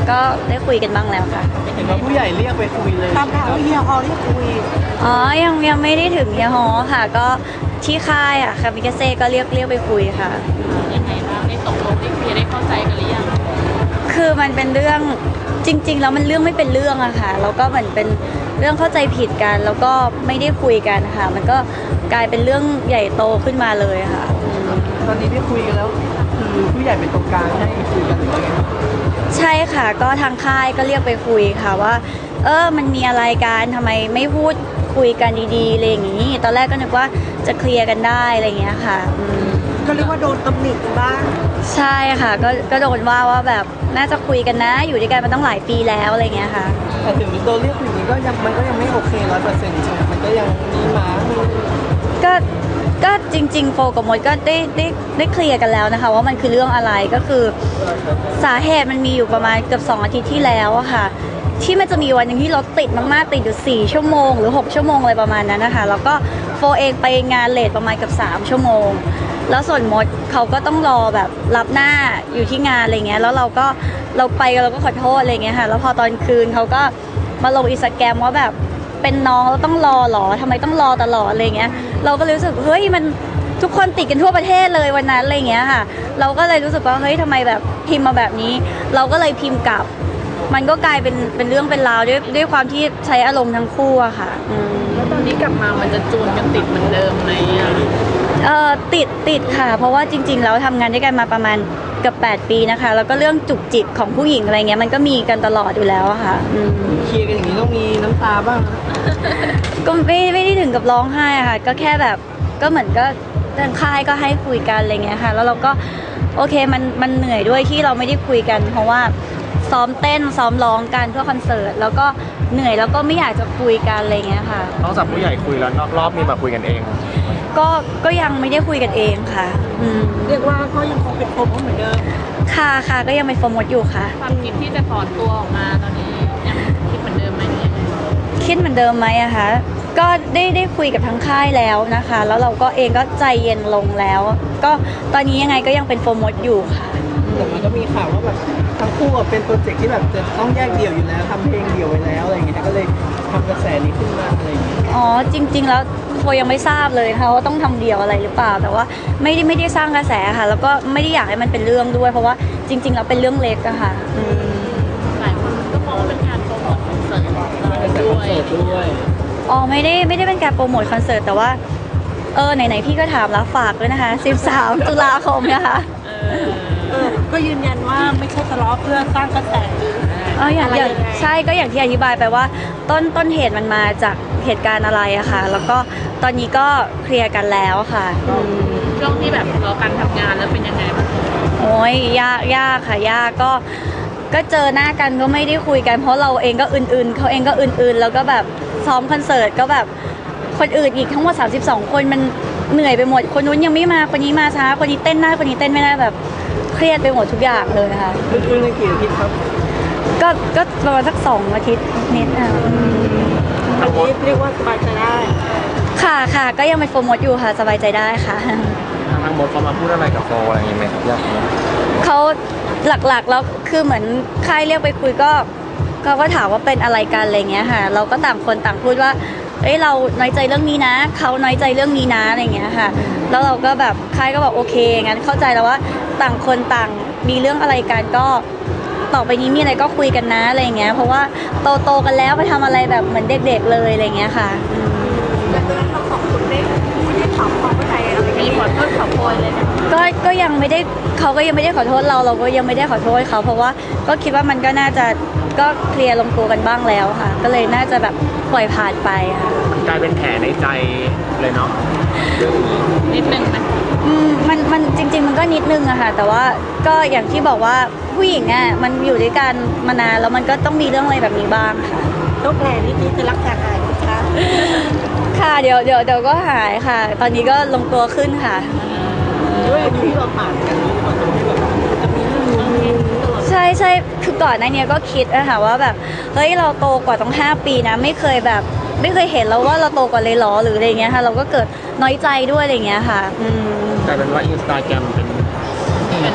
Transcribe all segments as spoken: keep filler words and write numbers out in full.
ก็ได้คุยกันบ้างแล้วค่ะเห็นว่าผู้ใหญ่เรียกไปคุยเลยตามข่าวว่าเฮียฮอเรียกคุยอ๋อยังยังไม่ได้ถึงเฮียฮอค่ะก็ที่ค่ายอะค่ะมิกาเซ่ก็เรียกเรียกไปคุยค่ะยังไงบ้างได้ตกลงได้เคลียร์ได้เข้าใจกันหรือยังคือมันเป็นเรื่องจริงๆแล้วมันเรื่องไม่เป็นเรื่องอะค่ะแล้วก็เหมือนเป็นเรื่องเข้าใจผิดกันแล้วก็ไม่ได้คุยกันค่ะมันก็กลายเป็นเรื่องใหญ่โตขึ้นมาเลยค่ะตอนนี้ได้คุยกันแล้วคือผู้ใหญ่เป็นตรงกลางให้คุยกันหรือว่าไงใช่ค่ะก็ทางค่ายก็เรียกไปคุยค่ะว่าเออมันมีอะไรกันทำไมไม่พูดคุยกันดีๆอะไรอย่างนี้ตอนแรกก็นึกว่าจะเคลียร์กันได้อะไรอย่างเงี้ยค่ะก็เรียกว่าโดนตำหนิบ้างใช่ค่ะก็ก็โดนว่าว่าแบบน่าจะคุยกันนะอยู่ด้วยกันมาตั้งหลายปีแล้วอะไรเงี้ยค่ะแต่ถึงโดนเรียกคุยนี้ก็ยังมันก็ยังไม่โอเคร้อยเปอร์เซ็นต์ใช่ไหมมันก็ยังมีหมามีก็ก็จริงๆโฟกับมดก็ได้ได้ได้เคลียร์กันแล้วนะคะว่ามันคือเรื่องอะไรก็คือสาเหตุมันมีอยู่ประมาณเกือบสองอาทิตย์ที่แล้วอะค่ะที่มันจะมีวันหนึ่งที่รถติดมากๆติดอยู่สี่ชั่วโมงหรือหกชั่วโมงอะไรประมาณนั้นนะคะแล้วก็โฟเองไปงานเลทประมาณเกือบสามชั่วโมงแล้วส่วนมดเขาก็ต้องรอแบบรับหน้าอยู่ที่งานอะไรเงี้ยแล้วเราก็เราไปเราก็ขอโทษอะไรเงี้ยค่ะแล้วพอตอนคืนเขาก็มาลงอินสตาแกรมว่าแบบเป็นน้องแล้วต้องรอหรอทำไมต้องรอตลอดอะไรเงี้ยเราก็รู้สึกเฮ้ยมันทุกคนติดกันทั่วประเทศเลยวันนั้นอะไรเงี้ยค่ะเราก็เลยรู้สึกว่าเฮ้ยทำไมแบบพิมพ์มาแบบนี้เราก็เลยพิมพ์กลับมันก็กลายเป็นเป็นเรื่องเป็นราวด้วยด้วยความที่ใช้อารมณ์ทั้งคู่อะค่ะแล้วตอนนี้กลับมามันจะจูนกันติดเหมือนเดิมไหมอ่ะเอ่อติดติดค่ะเพราะว่าจริงๆแล้วทำงานด้วยกันมาประมาณเกือบแปดปีนะคะแล้วก็เรื่องจุกจิกของผู้หญิงอะไรเงี้ยมันก็มีกันตลอดอยู่แล้วอะค่ะเคลียร์กันอย่างนี้ต้องมีน้ำตาบ้างก็ไม่ไม่ได้ถึงกับร้องไห้อะค่ะก็แค่แบบก็เหมือนก็ทางค่ายก็ให้คุยกันอะไรเงี้ยค่ะแล้วเราก็โอเคมันมันเหนื่อยด้วยที่เราไม่ได้คุยกันเพราะว่าซ้อมเต้นซ้อมร้องกันเพื่อคอนเสิร์ตแล้วก็เหนื่อยแล้วก็ไม่อยากจะคุยกันอะไรเงี้ยค่ะนอกจากผู้ใหญ่คุยแล้วนอกรอบมีแบบคุยกันเองก็ก็ยังไม่ได้คุยกันเองค่ะเรียกว่าก็ยังคงเป็นโฟมเหมือนเดิมค่ะค่ะก็ยังเป็นโฟมดอยู่ค่ะความคิดที่จะถอนตัวออกมาตอนนี้ยังคิดเหมือนเดิมไหมยังคิดเหมือนเดิมไหมอะคะก็ได้ได้คุยกับทั้งค่ายแล้วนะคะแล้วเราก็เองก็ใจเย็นลงแล้วก็ตอนนี้ยังไงก็ยังเป็นโฟมดอยู่ค่ะแต่มันก็มีข่าวว่าแบบทั้งคู่เป็นโปรเจกต์ที่แบบจะต้องแยกเดี่ยวอยู่แล้วทำเพลงเดี่ยวไว้แล้วอะไรอย่างเงี้ยก็เลยทำกระแสนี้ขึ้นมาอะไรอย่างเงี้ยอ๋อจริงๆแล้วโฟยังไม่ทราบเลยค่ะว่าต้องทำเดี่ยวอะไรหรือเปล่าแต่ว่าไม่ได้ไม่ได้สร้างกระแสค่ะแล้วก็ไม่ได้อยากให้มันเป็นเรื่องด้วยเพราะว่าจริงๆแล้วเป็นเรื่องเล็กอะค่ะหลายคนก็มองว่าเป็นการโปรโมทคอนเสิร์ตด้วยอ๋อไม่ได้ไม่ได้เป็นการโปรโมทคอนเสิร์ตแต่ว่าเออไหนๆพี่ก็ถามแล้วฝากด้วยนะคะสิบสามตุลาคมนะคะก็ยืนยันว่าไม่ใช่ทะเลาะเพื่อสร้างกระแสอ๋ออย่างอย่างใช่ก็อย่างที่อธิบายไปว่าต้นต้นเหตุมันมาจากเหตุการณ์อะไรอะค่ะแล้วก็ตอนนี้ก็เคลียร์กันแล้วค่ะช่วงที่แบบรอการทำงานแล้วเป็นยังไงบ้างโอ้ยยากยากค่ะยากก็ก็เจอหน้ากันก็ไม่ได้คุยกันเพราะเราเองก็อื่นๆเขาเองก็อื่นๆแล้วก็แบบซ้อมคอนเสิร์ตก็แบบคนอื่นอีกทั้งหมดสามสิบสองคนมันเหนื่อยไปหมดคนนู้นยังไม่มาคนนี้มาช้าคนนี้เต้นได้คนนี้เต้นไม่ได้แบบเครียดไปหมดทุกอย่างเลยค่ะคุณในกี่อาทิตย์ครับก็ก็ประมาณสักสองอาทิตย์นิดอ่ะอันนี้เรียกว่าสบายใจได้ค่ะค่ะก็ยังเป็นโฟมดอยู่ค่ะสบายใจได้ค่ะทางมดเขามาพูดอะไรกับโฟอะไรอย่างเงี้ยไหมครับยากไหมเขาหลักๆแล้วคือเหมือนค่ายเรียกไปคุยก็เขาก็ถามว่าเป็นอะไรกันอะไรเงี้ยค่ะเราก็ต่างคนต่างพูดว่าเอ้ยเราน้อยใจเรื่องนี้นะเขาน้อยใจเรื่องนี้นะอะไรเงี้ยค่ะแล้วเราก็แบบค่ายก็บอกโอเคงั้นเข้าใจแล้วว่าต่างคนต่างมีเรื่องอะไรกันก็ต่อไปนี้มีอะไรก็คุยกันนะอะไรเงี้ยเพราะว่าโตโตกันแล้วไปทำอะไรแบบเหมือนเด็กๆเลยอะไรเงี้ยค่ะแล้วตอนนั้นเราสองคนได้ไม่ได้ถามความเข้าใจอะไรมีขอโทษขอโพยเลยนะก็ก็ยังไม่ได้เขาก็ยังไม่ได้ขอโทษเราเราก็ยังไม่ได้ขอโทษเขาเพราะว่าก็คิดว่ามันก็น่าจะก็เคลียร์ลงตัวกันบ้างแล้วค่ะก็เลยน่าจะแบบปล่อยผ่านไปค่ะกลายเป็นแผลในใจเลยเนาะนิดนึงไหมอืมมันมันจริงๆมันก็นิดนึงอะค่ะแต่ว่าก็อย่างที่บอกว่าผู้หญิงอะมันอยู่ด้วยกันมานานแล้วมันก็ต้องมีเรื่องอะไรแบบนี้บ้างค่ะต้องแผลนิดนี้จะรักษาหายไหมคะค่ะเดี๋ยวเดี๋ยวเดี๋ยวก็หายค่ะตอนนี้ก็ลงตัวขึ้นค่ะด้วยที่เราผ่านกันนี้มันจะมีแบบจะมีเรื่องนี้ใช่ใช่คือก่อนหน้านี้ก็คิดนะคะว่าแบบเฮ้ยเราโตกว่าต้องห้าปีนะไม่เคยแบบไม่เคยเห็นแล้วว่าเราโตกว่าเลยหรอหรืออะไรเงี้ยค่ะเราก็เกิดน้อยใจด้วยอะไรเงี้ยค่ะกลายเป็นว่าอินสตาแกรมเป็นเป็น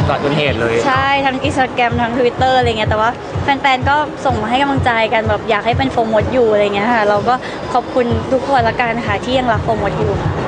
ก่อนเกิดเหตุเลยใช่ทั้งอินสตาแกรมทั้งทวิตเตอร์อะไรเงี้ยแต่ว่าแฟนๆก็ส่งมาให้กำลังใจกันแบบอยากให้เป็นโฟมดอยู่อะไรเงี้ยค่ะเราก็ขอบคุณทุกคนละกันค่ะที่ยังรักโฟมดอยู่ค่ะ